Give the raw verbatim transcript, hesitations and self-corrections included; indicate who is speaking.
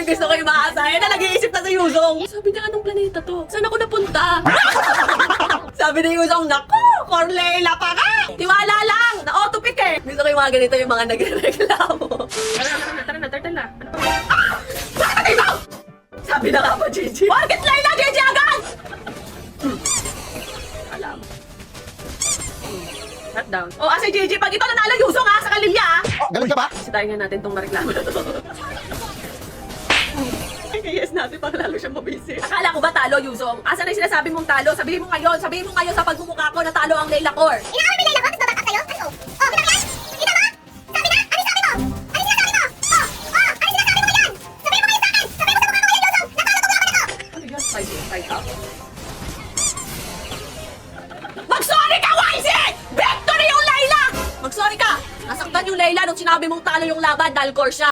Speaker 1: gusto ko yung maasa. Yan na, nag-iisip na sa Yuzong. Sabi niya, anong planeta to? Saan ako napunta? Sabi ni Yuzong, naku, Corleila pa ka! Tiwala lang, na-autopic eh. Gusto ko yung mga ganito, yung mga nagre-reklamo.
Speaker 2: Tara na, tara na, turtle na. Ano ba?
Speaker 1: Bakit ito? Sabi na nga ba, Gigi? Bakit Layla, Gigi agad?
Speaker 2: Alam. Shut down.
Speaker 1: O, asa Gigi, pag ito nanalo Yuzong ha, sa Kalilya ha.
Speaker 3: Galing ka ba?
Speaker 2: Sitayin nga natin tong mareklamo na to.
Speaker 1: Yes natin para lalo siyang mabisi. Akala ko ba talo, Yuzong? Asa na yung sinasabi mong talo? Sabihin mo ngayon, sabihin mo ngayon sa pagmumukha ko na talo ang Layla Core.
Speaker 4: Inaaway mo Layla ko, tapos babak sa'yo? Ano? Oh, kita mo yan? Kita mo? Sabi na? Ano sabi mo? Ano sinasabi mo? Oh, oh, ano sinasabi mo yan? Sabihin mo ngayon sa akin! Sabihin mo sa mukha ko ngayon, Yuzong! Natalo ko ako nito!
Speaker 2: Ano yun? Side in, side out?
Speaker 1: Mag-sorry ka, Y Z! Victory yung Layla! Mag-sorry ka! Nasaktan yung Layla nung sinabi mong talo yung laban dahil core siya.